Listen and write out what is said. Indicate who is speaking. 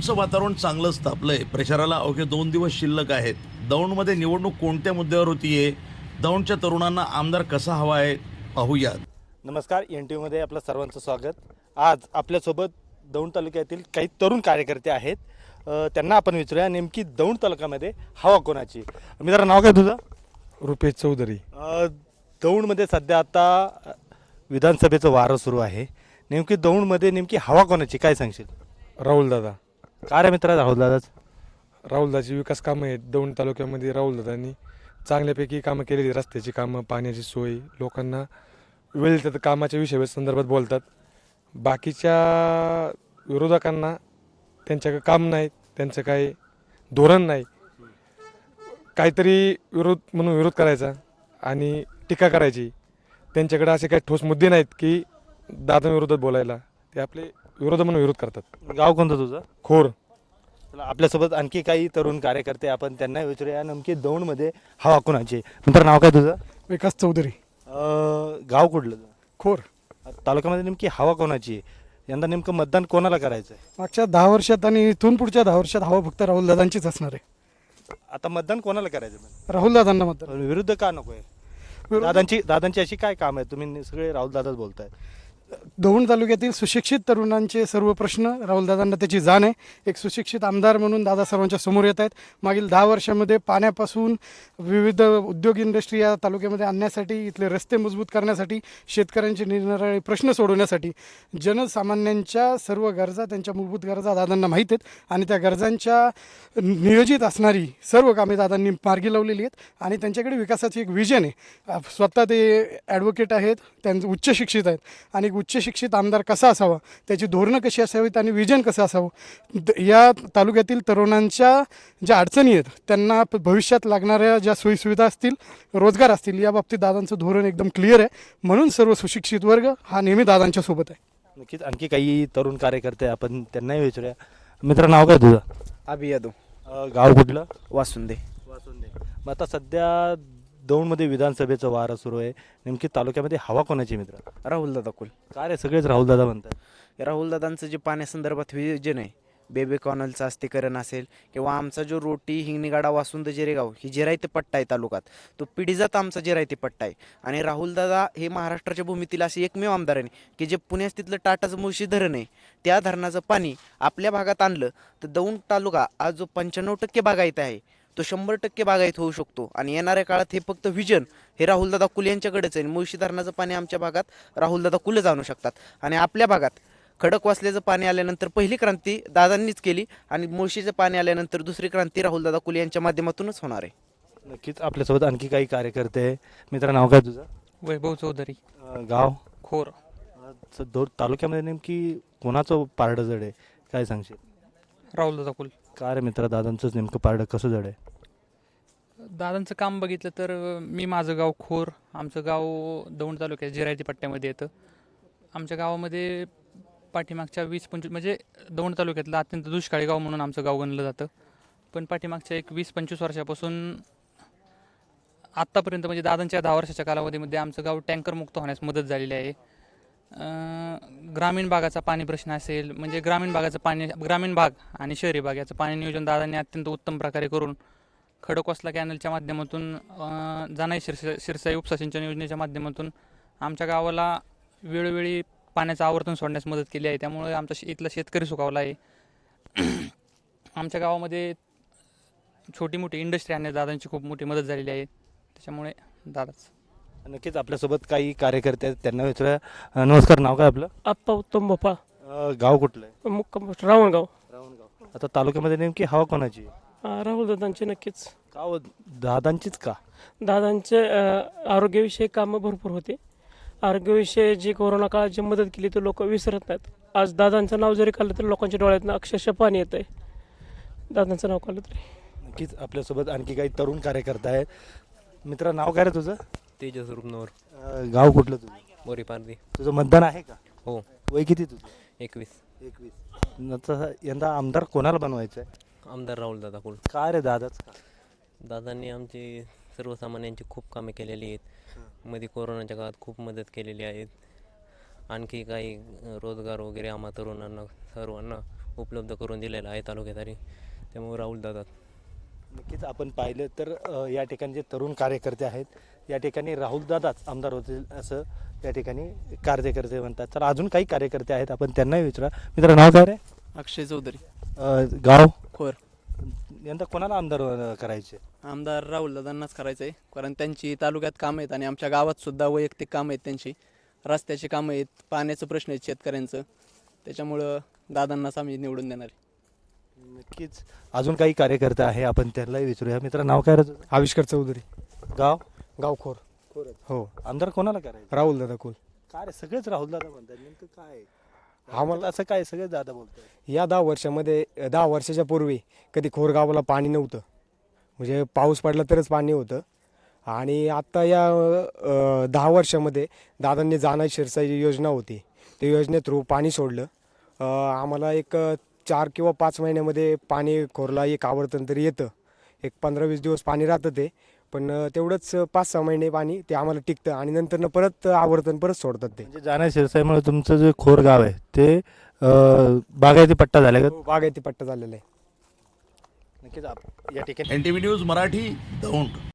Speaker 1: दौंडचं वातावरण चांगलंच तापलंय. प्रचाराला अवघे 2 दिवस शिल्लक आहेत. दौंडमध्ये निवडणूक कोणत्या मुद्द्यावर होतीये, दौंडच्या तरुणांना आमदार कसा हवा आहे, पाहूयात.
Speaker 2: नमस्कार, NTVमध्ये आपलं सर्वांचं स्वागत. आज आपल्यासोबत दौंड तालुक्यातील काही तरुण कार्यकर्ते आहेत. त्यांना आपण विचारूया नेमकी दौंड तालुक्यामध्ये हवा कोणाची. मित्रा, नाव काय तुझं?
Speaker 3: रुपेश चौधरी.
Speaker 2: दौंडमध्ये सध्या आता विधानसभेचं वारं सुरू आहे. नेमकी दौंडमध्ये नेमकी हवा कोणाची, काय सांगशील?
Speaker 3: राहुल दादा.
Speaker 2: काय रे मित्रा राहुल दादाच?
Speaker 3: राहुलदाची विकास कामं आहेत दौंड तालुक्यामध्ये. राहुलदादांनी चांगल्यापैकी कामं केलेली, रस्त्याची कामं, पाण्याची सोय, लोकांना वेळ तर कामाच्या विषय संदर्भात बोलतात. बाकीच्या विरोधकांना त्यांच्याकडे काम नाही, त्यांचं काही धोरण नाही. काहीतरी विरोध म्हणून विरोध करायचा आणि टीका करायची. त्यांच्याकडे असे काही ठोस मुद्दे नाहीत की दादांविरोधात बोलायला. ते आपले विरोध म्हणून विरोध करतात.
Speaker 2: गाव कोणतं तुझं?
Speaker 3: खोर.
Speaker 2: चला, आपल्यासोबत आणखी काही तरुण कार्यकर्ते, आपण त्यांना विचारूया नेमकी दौंडमध्ये हवा कोणाची. मित्र, नाव काय तुझं?
Speaker 4: विकास चौधरी.
Speaker 2: गाव कुठलं?
Speaker 4: खोर.
Speaker 2: तालुक्यामध्ये नेमकी हवा कोणाची आहे? यंदा नेमकं मतदान कोणाला करायचं आहे?
Speaker 4: मागच्या 10 वर्षात आणि इथून पुढच्या 10 वर्षात हवा फक्त राहुल दादांचीच असणार आहे.
Speaker 2: आता मतदान कोणाला करायचं?
Speaker 4: राहुल दादांना मतदान.
Speaker 2: विरुद्ध का नको आहे? दादांची अशी काय काम आहे? तुम्ही सगळे राहुल दादाच बोलताय.
Speaker 4: दौंड तालुक्यातील सुशिक्षित तरुणांचे सर्व प्रश्न राहुलदादांना त्याची जाण आहे. एक सुशिक्षित आमदार म्हणून दादा सर्वांच्या समोर येत आहेत. मागील 10 वर्षामध्ये पाण्यापासून विविध उद्योग इंडस्ट्री या तालुक्यामध्ये आणण्यासाठी, इथले रस्ते मजबूत करण्यासाठी, शेतकऱ्यांचे निरनिराळे प्रश्न सोडवण्यासाठी, जनसामान्यांच्या सर्व गरजा, त्यांच्या मूलभूत गरजा दादांना माहीत आहेत आणि त्या गरजांच्या नियोजित असणारी सर्व कामे दादांनी मार्गी लावलेली आहेत. आणि त्यांच्याकडे विकासाची एक विजन आहे. स्वतः ते ॲडव्होकेट आहेत, त्यांचे उच्च शिक्षित आहेत आणि उच्च शिक्षित आमदार कसा असावा, त्याची धोरणं कशी असावीत आणि विजन कसं असावं, या तालुक्यातील तरुणांच्या ज्या अडचणी आहेत, त्यांना भविष्यात लागणाऱ्या ज्या सोयीसुविधा असतील, रोजगार असतील, या बाबतीत दादांचं धोरण एकदम क्लिअर आहे. म्हणून सर्व सुशिक्षित वर्ग हा नेहमी दादांच्या सोबत आहे.
Speaker 2: नक्कीच आणखी काही तरुण कार्यकर्ते, आपण त्यांनाही विचारूया. मित्र, नाव काय तुझं?
Speaker 5: अभि यादव.
Speaker 2: गाव कुठलं?
Speaker 5: वासुंदे.
Speaker 2: मग आता सध्या दौंडमध्ये विधानसभेचं वारं सुरू आहे. नेमकी तालुक्यामध्ये हवा कोणाची मित्र?
Speaker 5: राहुल दादा कुल.
Speaker 2: काय रे, सगळेच राहुल दादा म्हणतात.
Speaker 5: राहुल दादांचं जे पाण्यासंदर्भात विजन आहे, बेबी कॉनलचं अस्थिकरण असेल किंवा आमचा जो रोटी हिंगणीगाडा वासुंद जेरेगाव ही जिरायती पट्टा आहे तालुक्यात, तो पिढीजात आमचा जिरायती पट्टा आहे. आणि राहुल दादा हे महाराष्ट्राच्या भूमीतील असे एकमेव आमदार आहे की जे पुण्यात तिथलं टाटाचं मुळशी धरण आहे, त्या धरणाचं पाणी आपल्या भागात आणलं तर दौंड तालुका आज जो 95% बागायत आहे, तो 100% बागायत होऊ शकतो. आणि येणाऱ्या काळात हे फक्त विजन हे राहुलदादा कुल यांच्याकडेच आहे. मुळशी धरणाचं पाणी आमच्या भागात राहुलदादा कुलच आणू शकतात. आणि आपल्या भागात खडकवासल्याचं पाणी आल्यानंतर पहिली क्रांती दादांनीच केली आणि मुळशीचं पाणी आल्यानंतर दुसरी क्रांती राहुलदादा कुल यांच्या माध्यमातूनच होणार आहे.
Speaker 2: नक्कीच आपल्यासोबत आणखी काही कार्यकर्ते आहे. मित्र, नाव काय तुझं?
Speaker 6: वैभव चौधरी.
Speaker 2: गाव
Speaker 6: खोर.
Speaker 2: दौंड तालुक्यामध्ये नेमकी कोणाचं पारडं जड आहे, काय सांगशील?
Speaker 6: राहुल दादा कुल.
Speaker 2: काय रे मित्र, दादांचंच नेमकं पारडं कसं जड आहे?
Speaker 6: दादांचं काम बघितलं तर मी माझं गाव खोर, आमचं गाव दौंड तालुक्यात जिरायती पट्ट्यामध्ये येतं. आमच्या गावामध्ये पाठीमागच्या 20-25 म्हणजे दौंड तालुक्यातलं अत्यंत दुष्काळी गाव म्हणून आमचं गाव गणलं जातं. पण पाठीमागच्या एक 20-25 वर्षापासून आत्तापर्यंत म्हणजे दादांच्या 10 वर्षाच्या कालावधीमध्ये आमचं गाव टँकरमुक्त होण्यास मदत झालेली आहे. ग्रामीण भागाचा पाणी प्रश्न असेल, म्हणजे ग्रामीण भाग आणि शहरी भाग याचं पाणी नियोजन दादांनी अत्यंत उत्तम प्रकारे करून खडकवासला कॅनलच्या माध्यमातून, जानाई शिरसाई उपसा सिंचन योजनेच्या माध्यमातून आमच्या गावाला वेळोवेळी पाण्याचं आवर्तन सोडण्यास मदत केली आहे. त्यामुळे आमचा इथला शेतकरी सुखावला आहे. आमच्या गावामध्ये छोटी मोठी इंडस्ट्री आणण्यास दादांची खूप मोठी मदत झालेली आहे. त्याच्यामुळे दादाच.
Speaker 2: नक्कीच आपल्यासोबत काही कार्यकर्ते आहेत, त्यांना विचारूया. नमस्कार, नाव काय आपलं?
Speaker 7: आप्पा उत्तम भोपा.
Speaker 2: गाव कुठलं आहे?
Speaker 7: मुक्काम रावणगाव.
Speaker 2: आता तालुक्यामध्ये नेमकी हवा कोणाची?
Speaker 7: राहुल दादांचे नक्कीच.
Speaker 2: का हो, दादांचीच का?
Speaker 7: दादांचे आरोग्यविषयी कामं भरपूर होते. आरोग्यविषयी जी कोरोना काळात जी मदत केली ते लोक विसरत नाहीत. आज दादांचं नाव जरी काढलं तरी लोकांच्या डोळ्यातनं अक्षरशः पाणी येतं आहे दादांचं नाव काढलं तरी.
Speaker 2: नक्कीच आपल्यासोबत आणखी काही तरुण कार्यकर्ते आहेत. मित्र, नाव काय रे तुझं?
Speaker 8: तेजस रुपनवर.
Speaker 2: गाव कुठलं तुझं?
Speaker 8: बोरी पारदी.
Speaker 2: तुझं मतदान आहे का?
Speaker 8: हो.
Speaker 2: वय किती तुझं?
Speaker 8: 21.
Speaker 2: यंदा आमदार कोणाला बनवायचं आहे?
Speaker 8: आमदार राहुल दादा कुल.
Speaker 2: काय रे, दादाच का?
Speaker 8: दादांनी आमची सर्वसामान्यांची खूप कामे केलेली आहेत. मध्ये कोरोनाच्या काळात खूप मदत केलेली आहेत. आणखी काही रोजगार वगैरे आम्हा तरुणांना सर्वांना उपलब्ध करून दिलेला आहे तालुक्यातरी. त्यामुळे राहुलदादा.
Speaker 2: नक्कीच आपण पाहिलं तर या ठिकाणी जे तरुण कार्यकर्ते आहेत या ठिकाणी राहुलदादाच आमदार होतील असं या ठिकाणी कार्यकर्ते म्हणतात. तर अजून काही कार्यकर्ते आहेत आपण त्यांनाही विचारा. मित्र नाव काय रे?
Speaker 9: अक्षय चौधरी.
Speaker 2: गाव
Speaker 9: खोर.
Speaker 2: यंदा कोणाला आमदार करायचे?
Speaker 9: आमदार राहुलदादांनाच करायचं आहे, कारण त्यांची तालुक्यात कामं आहेत आणि आमच्या गावात सुद्धा वैयक्तिक कामं आहेत त्यांची. रस्त्याची कामं आहेत, पाण्याचं प्रश्न आहेत शेतकऱ्यांचं. त्याच्यामुळं दादांनाच आम्ही निवडून देणार आहे.
Speaker 2: नक्कीच अजून काही कार्यकर्ते आहे आपण त्यांनाही विचारूया. मित्र नाव काय रे तुझं?
Speaker 3: आविष्कार चौधरी.
Speaker 2: गाव
Speaker 3: गाव खोर. हो.
Speaker 2: आमदार कोणाला करायचं?
Speaker 3: राहुलदादा कुल.
Speaker 2: काय रे सगळेच राहुलदादा म्हणतात, नेमकं काय आहे?
Speaker 3: आम्हाला
Speaker 2: असं काय सगळेच दादा बोलतात?
Speaker 3: या 10 वर्षामध्ये 10 वर्षाच्या पूर्वी कधी खोरगावाला पाणी नव्हतं, म्हणजे पाऊस पडला तरच पाणी होतं. आणि आत्ता या 10 वर्षामध्ये दादांनी जाना शिरसाई योजना होती, त्या योजने थ्रू पाणी सोडलं. आम्हाला एक 4 किंवा 5 महिन्यामध्ये पाणी खोरला एक आवर्तन तरी येतं. एक 15-20 दिवस पाणी राहतं ते, पण तेवढंच 5-6 महिने पाणी ते आम्हाला टिकतं आणि नंतर परत आवर्तन परत सोडतात ते.
Speaker 2: म्हणजे जाना शिरसाईमुळे तुमचं जे खोर गाव आहे ते बागायती पट्टा झाला का?
Speaker 3: बागायती पट्टा झालेला आहे.
Speaker 2: नक्कीच या ठिकाणी
Speaker 1: NTV न्यूज मराठी दौंड.